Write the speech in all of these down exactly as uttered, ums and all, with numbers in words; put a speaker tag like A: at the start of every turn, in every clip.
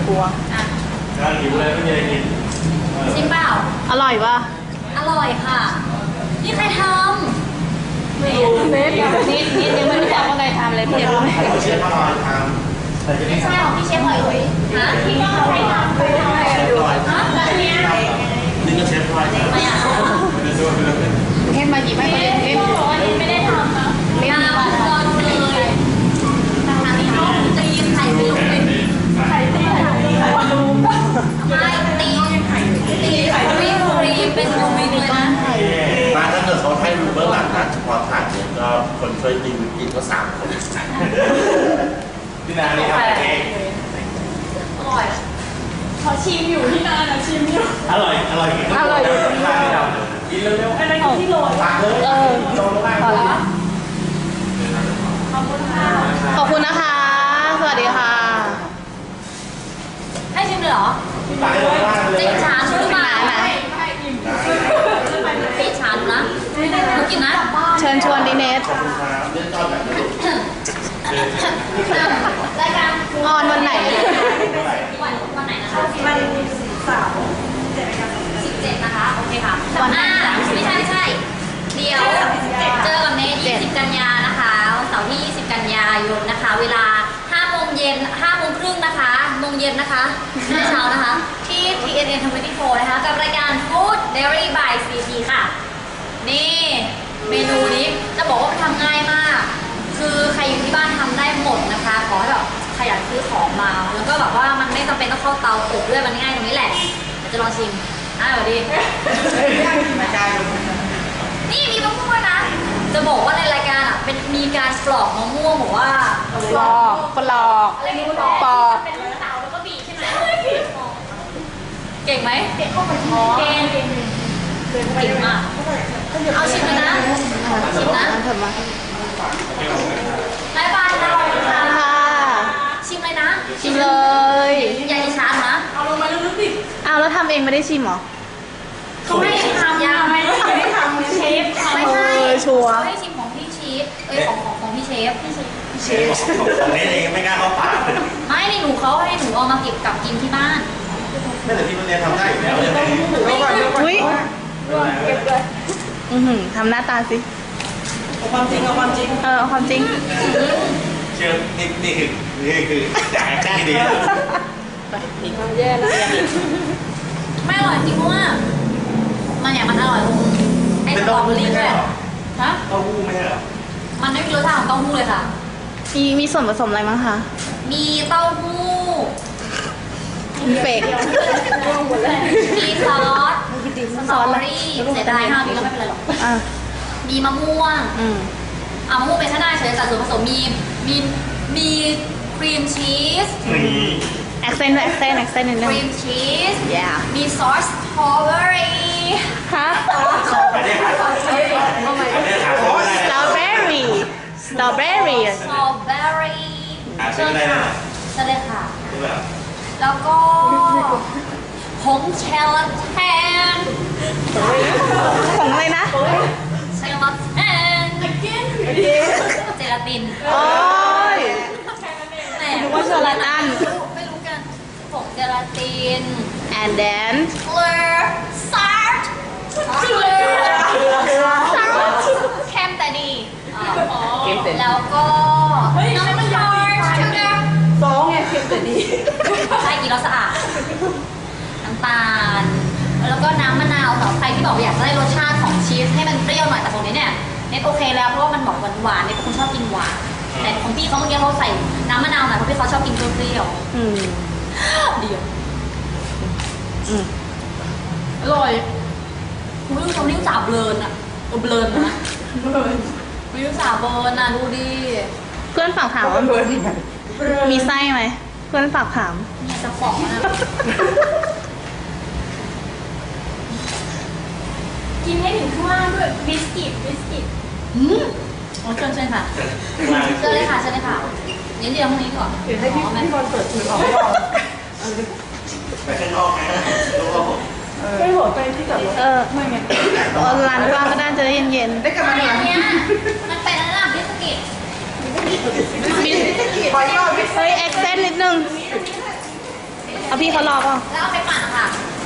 A: ลัว
B: กำลังหิวเลยไม่มีอะไรกิน
C: จริงเปล่า
A: อร่อยปะ
C: อร่อยค่ะนี่ใครทำ
A: เน็ตเน็ตนิดนิดยังไม่รู้จักว่าใครทำเลยพี่รู้ไหม
B: เชฟมาลอยทำ
C: ไม่ใช่ของพี่เชฟหอยหอยฮะพี่ก็ใครทำใครทำอะไรอยู่ฮะแล้วเนี้ย
B: นี่ก็เชฟลอย
C: ไม่อ่ะ
A: เน็ตมาหยิบให้คนอื่นเล่น
C: บอกว่านี่ไม่ได้ทำนะไม่ทำรอดูเลยทางนี้เขาจะยิงไข่ไปลงเป็นไข่ตีไข่ไข่ลูกไม่ตีตีไข่ไม่ฟรีเป็นลูกเลยนะ
B: มาถ้าเกิดเขาให้ดูเบื้องหลังนะเฉพาะถ่ายเนี่ยก็คนช่วยกินกินก็สามคนที่นานี่ทำเอง
C: อร่อยเขาชิมอยู่ที่นานะชิมอยู่
B: อร่อยอร่อย
A: อร่อย
B: กินเร็วๆ
C: อะไรของที่โรย
B: ตักเลย
A: เออ
C: พอแล้วขอบคุณค่ะ
A: ขอบคุณนะคะสวัสดีค่ะ
C: ให้ชิมเลยเหรอจิกชานหรือเปล่าจิกชานนะดูกินนะ
A: เชิญชวนดิเนท
C: รายการ
A: ออนวันไหน
C: วันวันไหนนะคะวันสามสิบเจ็ดนะคะโอเคค่ะวันอ่าไม่ใช่ไม่ใช่เดี๋ยวเจอกับเนทยี่สิบกันยานะคะเสาร์ที่ยี่สิบกันยายนนะคะเวลาห้าโมงเย็นห้าโมงครึ่งนะคะโมงเย็นนะคะเช้านะคะที่ ที เอ็น เอ็น ยี่สิบสี่นะคะกับรายการ Food Diary by ซี พี ค่ะนี่เมนูนี้จะบอกว่าทำง่ายมากคือใครอยู่ที่บ้านทำได้หมดนะคะขอให้แบบขยันซื้อของมาแล้วก็แบบว่ามันไม่จำเป็นต้องเข้าเตาอบด้วยมันง่ายตรงนี้แหละเดี๋ยวจะลองชิมอ่ะสวัสดีนี่มีมะม่วงนะจะบอกว่าในรายการอ่ะเป็นมีการปลอกมะม่วงบอกว่า
A: ปลอกปลอก
C: อะไรนี่ปลอกปลอกเป็นลูกสาวแล้วก็บีใช่ไหมเก่งไหมเก่งเข้าไปเก่งเก่งเก่งมากเอาชิมเลยนะชิมนะ
A: เถิดมา
C: บายบายนะ
A: ค่ะ
C: ชิมเลยนะ
A: ชิมเลย
C: อย่าอิจฉานะเอาลงมาลึกๆดิ
A: อ้าวแล้วทำเองไม่ได้ชิมหรอ
C: เขาไม่ทำยังไม่ได้ทำเชฟไม่ใช่
A: ชัวร์
C: ไม่ชิมของพี่เชฟเอ้ยของของของพี่เชฟพี่
B: เชฟของนี้เองไม่กล้าเข้าปาก
C: ไม่ในหนูเขาให้หนูเอามาเก็บกับกินที่บ้าน
B: ไม่แต่ที่มันเรียนทำได้อยู่แล้ว
A: อุ้ยอือหือทำหน้าตาสิ
D: เอาความจริงเอาความจริง
A: เออความจริง
B: เชื่อนี่นี่คือนี่คือจ่ายได้ดี
A: ไปอีกแย่แล้ว
C: ไม่อร่อยจริงเพราะว่ามันอย่างมันอร่อยไอ้สตรอเบอรี่ด้วยฮะ
B: เต้าหู้ไม่ใช่เหรอ
C: มันไม่มีรสชาติของเต้าหู้เลยค่ะ
A: มีมีส่วนผสมอะไรบ้างคะ
C: มีเต้าหู้
A: มีเฟก
C: มีซอสสตรอเบอรี่เสียดายห้ามีก็ไม่เป็นไรหรอกมีมะม่วงอ่ะมะม่วงเป็นชาได้เฉยแต่ส่วนผสมมีมีมีครีมชีส
A: แอคเซนต์แอคเซนต์แอคเซนต์นิดนึง
C: ครีมชีสมีซอสสตรอเบอรี่
A: ฮะ
B: สตรอเบอรี่
A: สตรอเบอรี่สตรอเบอรี่
C: สตรอเบอรี่
B: เชิญค่ะ
C: เชิญเลยค่ะแล้วก็ผงเชลแทน
A: ผงอะไรนะ
C: เชลแทนเจลาติน
A: โอ้ยนึกว่าเจลาติน
C: ไม่รู้กันผงเจลาติน
A: and then
C: เกลือซอสเกลือเค็มแต่ดีแล้วก็น้ำมันยอยชูการ์
D: สองไงเค็มแต่ดี
C: ใช่กินแล้วสะอาดน้ำตาลแล้วก็น้ำมะนาวสำหรับใครที่บอกอยากได้รสชาติของชีสให้มันเปรี้ยวหน่อยแต่ตรงนี้เนี่ยเน็ตโอเคแล้วเพราะว่ามันบอกหวานๆเนี่ยเป็นคนชอบกินหวานแต่ของพี่เขาเมื่อกี้เขาใส่น้ำมะนาวหน่อยเพราะพี่เขาชอบกินเปรี้ยว
A: อืม
C: เดียว
A: อืม
C: อร่อยคุณไม่รู้เขาเรียกจ่าเบลนอะเบลนนะไม่รู้จ่าเบลนอะดูดิ
A: เพื่อนฝากถามว่ามีไส้ไหมเพื่อนฝากถาม
C: เนี่ยจะฟองนะกินให้ถึงข้างล่างด้วยบิสกิตบิสกิตอืมโอ้เชิญเชิญค่ะเชิญเลยค่ะเชิญเลยค่ะเดี๋ยวเดี๋ยวพรุ่งนี้ก่อน
D: เดี๋ยวให้พี่พี่บอลเปิดมือออก
B: ไปข้างนอกนะ
D: ไม่หมดไปที่จอดรถ
A: เออไม่ไงร้านกว้างก็น่าจะได้เย็น
D: ๆได้กลับมาหน่อย
C: เนี่ยมันเป็นอะไรล่ะบิสกิต
A: บิสกิตขอยอดเฮ้ยแอคเซนต์นิดนึงพี่เขารอเปล่ะ
C: แล้วเอาไปปั่นค่ะ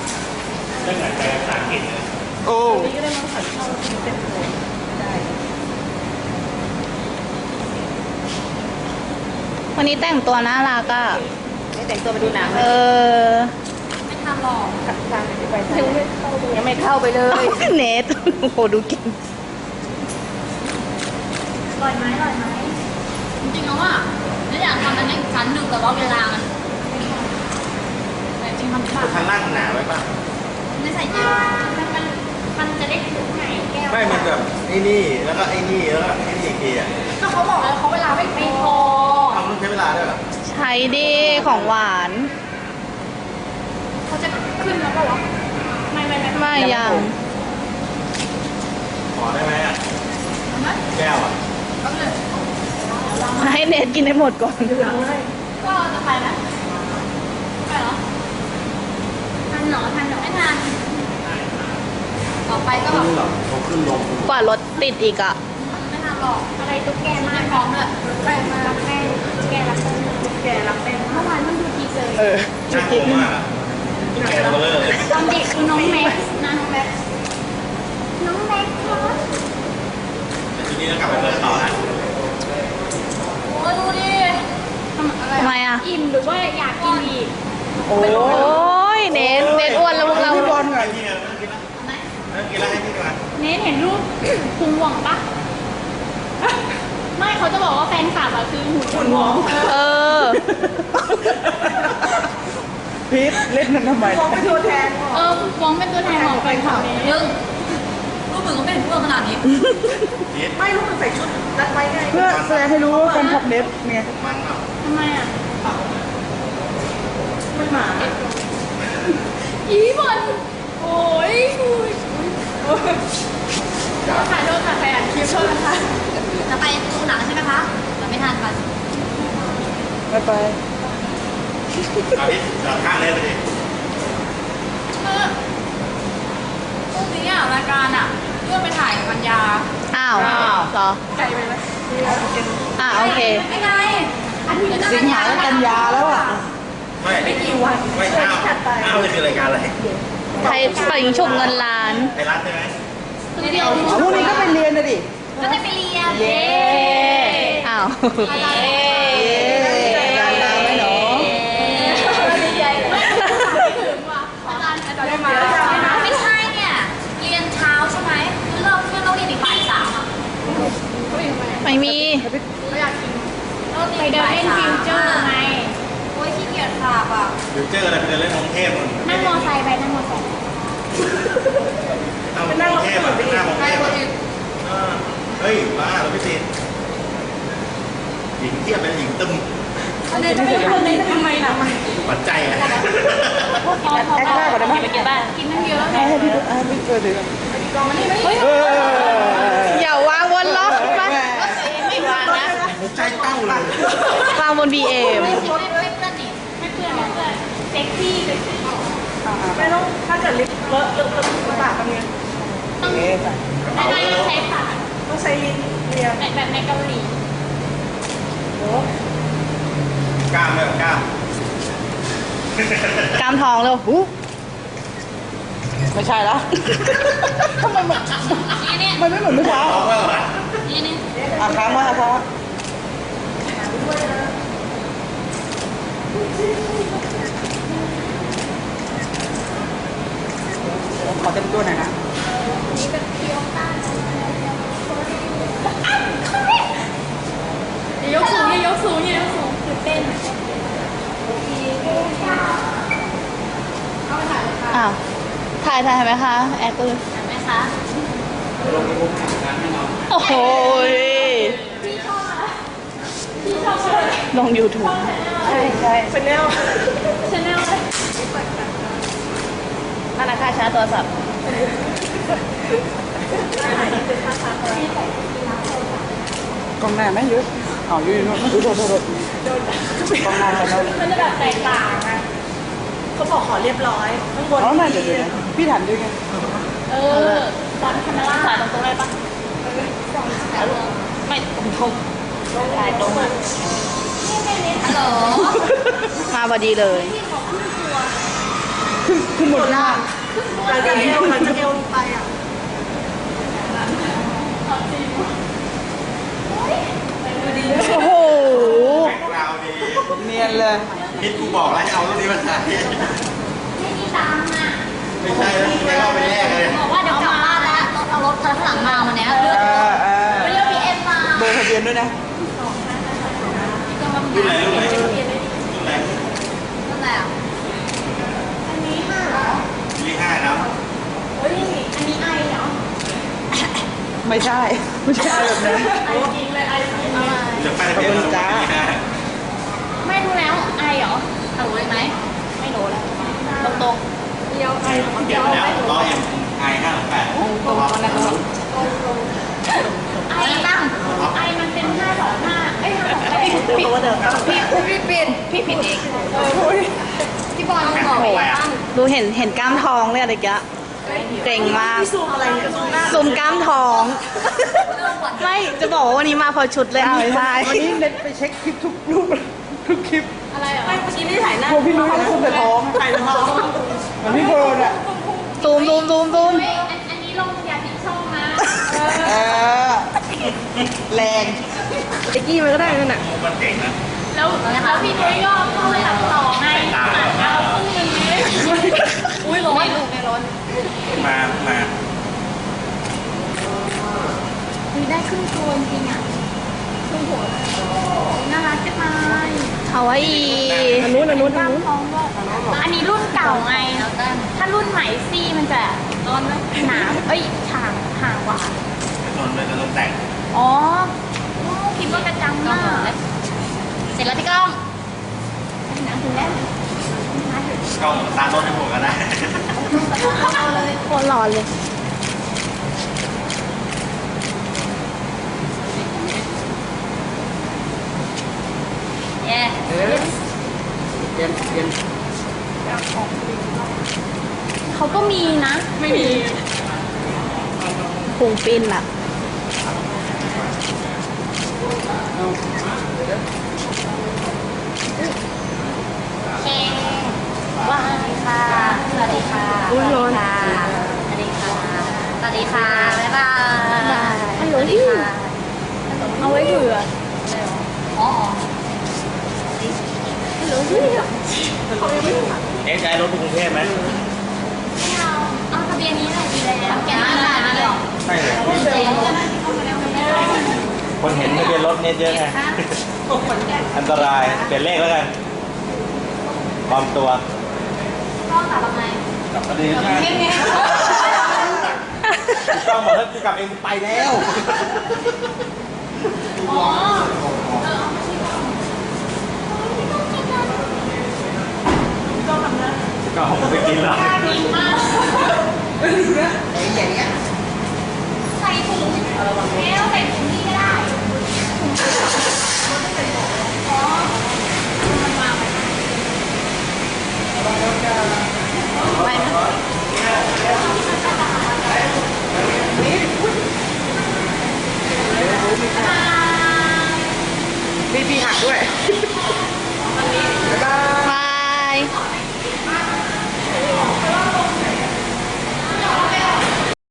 A: โอ้
D: นี่ก็ได้มาผัดข้าวเต็มเลยได้
A: วันนี้แต่งตัวน่ารักอ่ะ
D: ไม่แต่งตัวไปดูหนัง
A: เออ
C: ไม่ทำหรอก
D: ทางไปยังไม่เข้ายังไม่เข้าไปเลย
A: เนทโอ้โหดูเก่ง
C: อร่อยไหมอร่อยไหมจริงๆแล้วอ่ะไม่อยากทำอันนี้อีกชั้นหนึ่งแต่ว่าเวลามันแต่จริงๆมันแบบ
B: ข้างล่างหนาไว้ป่ะ
C: ไม่ใส่เยอะมันมันมันจะได้ถึงไหนแก้ว
B: ไม่มันแบบไอ้นี่แล้วก็ไอ้นี่แล้วก็ไอ้นี่อีกทีอ่ะ
C: ก็เขาบอกแล้วเขาเวลาไม่ไม่พอ
B: ทำต้องใช้เวลาด้วยเหรอ
A: ใช้ดีของหวาน
C: เขาจะขึ้นแล้วเปล่าวะไม่ไม่ไม่
A: ไม่ยัง
B: ขอได้ไหมอ่ะแก้วอ่ะ
C: ก็เลย
A: ให้เนทกินให้หมดก่อน
C: ก็จะไปไหมไปเหรอทันเหรอทันเหรอไม่ทันต่อไปก็แบบ
B: ขึ้นหรอเขาขึ้นลง
A: กว่ารถติดอีกอ่ะ
C: ไม่ทำหรอกอะไรตุ๊กแกมากพร้อมเลยแกมารับแม่ตุ๊กแกรับแม่ตุ๊กแกรับแม่เมื่อวานมันดูทีเซอร์
A: เออ
B: น่ากลัวมากอ่ะแกตัวเลอร์เลย
C: ตอนเด็กคือน้องแม็กซ์นะน้องแม็กซ์น้องแม็กซ์ครับ
B: แต่ทีนี้เรากลับไปเปิดต่อนะ
C: โอ้ยดูดิทำอะไร
A: ทำไมอ่ะ
C: อิ่มหรือว่าอยากกินอีก
D: โอ้
A: โอ้ยเนทเนทอ้วนแล้วพวกเรา
D: พี่บอลไง
B: พี่เนี่ยไม่ต้องกินแล้วไม่ต้องกินแล้วให้พี่ก่อน
C: เนทเห็นรูปพุงหว่องปะไม่เขาจะบอกว่าแฟนคลับอะคือหุ่น
D: หุ่นหวง
A: เออ
D: พีทเล่นมันทำไมมองเป็นตัวแทน
C: เออหวองเป็นตัวแทนของแฟนคลับเนทรูปมึงก็ไม่เห็นเพื่อนขนาดนี้
B: นิด
D: ไม่รู้มันใส่ชุดรัดไว้ไงเพื่อแสดงให้รู้ว่าแฟนคลับเน็ตไง
B: มันเนาะ
C: ทำไมอะ
D: มันหมา
C: อีบอลโอ้ยถ่ายโดนถ่ายไปอ่านคลิปโทษนะคะจะไปดูหนังใช่ไหมคะเราไม่ทันค่ะ
D: ไปไป
B: เอาดิจอดข้างเลยไปดิ
C: เออพรุ่งนี้อ่ะรายการอ่ะเลื่อนไปถ่ายกับปัญญา
A: อ้าวเหรอ
C: ไกลไปไหม
A: อ่าโอเค
C: ไม่ไงอาทิตย์หน้า
D: สิงหาและกันยาแล้วอ่ะ
B: ไม่ไม่กี่วันไม่อ้าวอ้าวจะคือรายการอะไร
A: ใครเป่ายิงฉุบเงินล้าน
B: ไทยรัฐใช่ไหม
C: คือเดียว
D: พรุ่งนี้ก็ไปเรียนนะดิ
C: ก็จะไปเรียน
A: เย้อ้าว
C: เย้
D: ลาลาไหมหนู
C: ดีใจไม่ถึงว่ะอาจารย์อาจารย์ได้มาไม่ใช่เนี่ยเรียนเช้าใช่ไหมคือเริ่มเพื่อนต้องเรียนอีกบ่ายสามอ่ะ
A: ไม่มี
C: ไม่อยากกินไปเดินเล่นฟิวเจอร์ไงโอ้ยขี้เกียจขับอ่ะ
B: ฟิวเจอร์อะไรไปเดินเล่นกรุงเทพมัน
C: นั่งมอไซค์ไปนั่งมอไซค์
B: เอากรุงเทพอ่ะหน้ากรุง
C: ไป
B: เทพ
C: คน
B: อ่ะ
C: อื่น
B: เออเฮ้ยบ้าเราไม่ติดหญิงเทียบเป็นหญิงตึม
C: อันนี้จะไม่ทำเลยทำไมล่ะ
B: ปัจจัยอ่ะ
C: พอพอ
D: แอคหน้าก่อนได้ไหม
C: ไปกินบ้านกินนั่งเยอะ
D: ให้ให้พี่ให้พี่เจอดิ
C: เฮ้ย
D: เออ
A: อย่าวางบนล็อกไป
C: ไม่วางนะ
B: ใจเต้าเลย
A: วางบนบีเอ็ม
C: ไม่เพื่อนนี่ไม่เพื่อนไม่เพื่อนเซ็กซี่เซ็กซี่
D: ไม่ต้องถ้าเกิดลิฟต์เลอะเลอะเลอะลำบากทำไง
C: ต้อง
D: เอ๊ะ
C: ไม่ได้ใช้ปาก
D: ต้องใช้ลิ้นเรียน
C: แบบแบบในเกาหลี
D: โอ้
B: กล้ามเลยกล้าม
A: กล้ามทองเลยหู
D: ไม่ใช่แล้วทำไมมัน
C: นี่นี่
D: มันไม่เหมือนเมื่อเช้า
B: เอาไว้ก่อน
C: นี่นี่
D: อ่ะค้างไว้ค่ะค้างไว้ขอเต็มตัวหน่อยนะ
C: นี่เป็นเคียวต้ายกสูงยกสูงยกสูงตื่นเต้นเข้าไปถ่ายเลยค่ะ
A: อ้าว ถ่ายถ่ายไหมคะ แอดตัวเลย
C: เห็นไหมคะ
A: โอ้โหย
C: พี่ชอบอะไรพี่ชอบอะไร
A: ลง YouTube
D: ใช่ใช่เป็นแนว
C: ชาแนลเลย
A: ธนาคารชาร์จโทรศัพท์
D: กล้องหน้าไม่เยอะอ๋ออยู่อยู่นู่นอุ๊ยโทษโทษโทษกล้องหน้าไปแล้ว
C: มันจะแบบแตกต่างอ่ะ
D: เขาบอกขอเรียบร้อยข้างบนอ๋อน่าเดี๋ยวเดี๋ยวพี่ถามด้วยไง
C: เออตอนคาเมล่าถ่ายตรงตรงได้ปะถ่ายลงไม่ตรงตรงถ่ายตรงอ่ะฮัลโหล
A: มาพอดีเลย
C: พี่ขอขึ้นตัว
D: ขึ้นบนล่าง
E: หลังจากเอวหลังจากเอวไปอ่ะ
A: โอ้โห
B: แบ็คกราวด์ดี
D: เนียนเลย
B: คิดกูบอกแล้วให้เอารูปนี้มาถ่าย
C: ไม่มีตังค์อ่ะ
B: ไม่ใช่แล้วไม่เอาไปแลกเลย
C: บอกว่าเดี๋ยวกลับบ้านแล้วรถเอารถคันข้างหลังมาวันเนี้ยเลื
D: เอ
C: อก
D: อเออ
C: ไม่เลือกพีเอ็มมา
D: เบอร์ทะเบียนด้วยนะ
B: รูปไหนรูปไหนรูปไหน
C: นั่นแหละ
B: ยี่ห้าครับ
D: ไม่ใช่ ไม่ใช่แบบนั้น
B: จะไปทะเบียนรถจ้า
C: ไม่รู้แล้วไอเหรอเอารู้เลยไหมไม่รู้แล้วตรงตรง
B: เดี๋ยวแล้วร้อยเอ็มไอห้าแปด
D: ตรงๆนะครับ
C: ไอตั้งไอมันเป็นห้าสองห้าเอ้ยห้าสองแปด
E: พี่ตัวเดิม
C: พี่พี่เปลี่ยนพี่ผิดเองพี่บอลบอกว่า
A: ดูเห็นเห็นกล้ามท้องเลยอะไรแกเกรงมาก
E: พี่ซูมอะไรเนี่ยซูมหน้า
A: ซูมกล้ามท้อง ไม่จะบอกว่าวันนี้มาพอชุดเลยเอาไม่ใช่
D: วันนี้เน็ตไปเช็คคลิปทุกรูปทุกคลิป
C: อะไรเหรอ
E: ไม่เมื่อกี้ไม่ได้ถ่ายหน้าก
D: ลัวพี่นุ้ยเขาคุมแต่ท้อง
E: ถ่ายแต่ท้อง
D: เหมือนพี่เบิร์นอ่ะ
A: ซูมซูมซูมซูม
C: เฮ้ยอันอันนี้ลงอย่าผิดช่องนะ
D: เออ แรง
A: ไอ้กี้มันก็ได้นั่นน่ะ
B: มันเก่งนะ
C: แล้วแล้วพี่นุ้ยก็เข้าตัดต่อไงตัดเอาครึ่งนึงเลยอุ้ยร้อนลูกไม่ร้อน
B: มามา
C: มีได้ครึ่งตัวจริงอ่ะครึ่งหัวน่ารักจังเลย
A: เอาไว้อี
E: อันนู้นอันนู้นอัน
C: ตั้ง
E: นู้น
C: ท้องด้วยอันนี้รุ่นเก่าไงถ้ารุ่นใหม่ซี่มันจะร้อนหนาเอ้ยห่างห่างกว่า
B: โดนเลยจะโดนแต่ง
C: อ๋อคิดว่ากระจังมากเสร็จแล้วพี่ก้องหนังถึงแล้ว
B: กล้องตามรถให้ผมก็ได้
C: เอาเลย
A: โคตรร้อนเลย
C: เย้
D: เอ๊ะเปลี่ยนเปลี่ยน
C: เขาก็มีนะ ไม่มี
A: พุงปิ้นล่ะ
C: เคสวัสดีค่ะ สวัสดีค่ะ
A: อุ๊ยร้อน
C: สวัสดีค่ะ สวัสดีค่ะ บ๊ายบาย
A: ฮัลโหล
C: สวัสดีค่ะ
A: เอาไว้เผื่อ
C: อ๋อ
B: เอ๊ะจะให้รถไปกรุงเทพไหม
C: ไม่เอาเอาทะเบียนนี้เลยดีแล้วแกไม่ได้ไม่หรอก
B: ใช่เลย
C: เจ๊
B: คนเห็นทะเบียนรถเนี่ยเยอะไง อันตราย เปลี่ยนเลขแล้วกันปลอมตัว
C: ก็กลับมาไหม
B: กลับมาดีใช่ไหมต้องบอกถ้ากูกลับเองกูไปแล้ว
C: อ๋อเออเอามาที่ก่อน
B: ก็ผมไปกินแล้ว
C: ดีมาก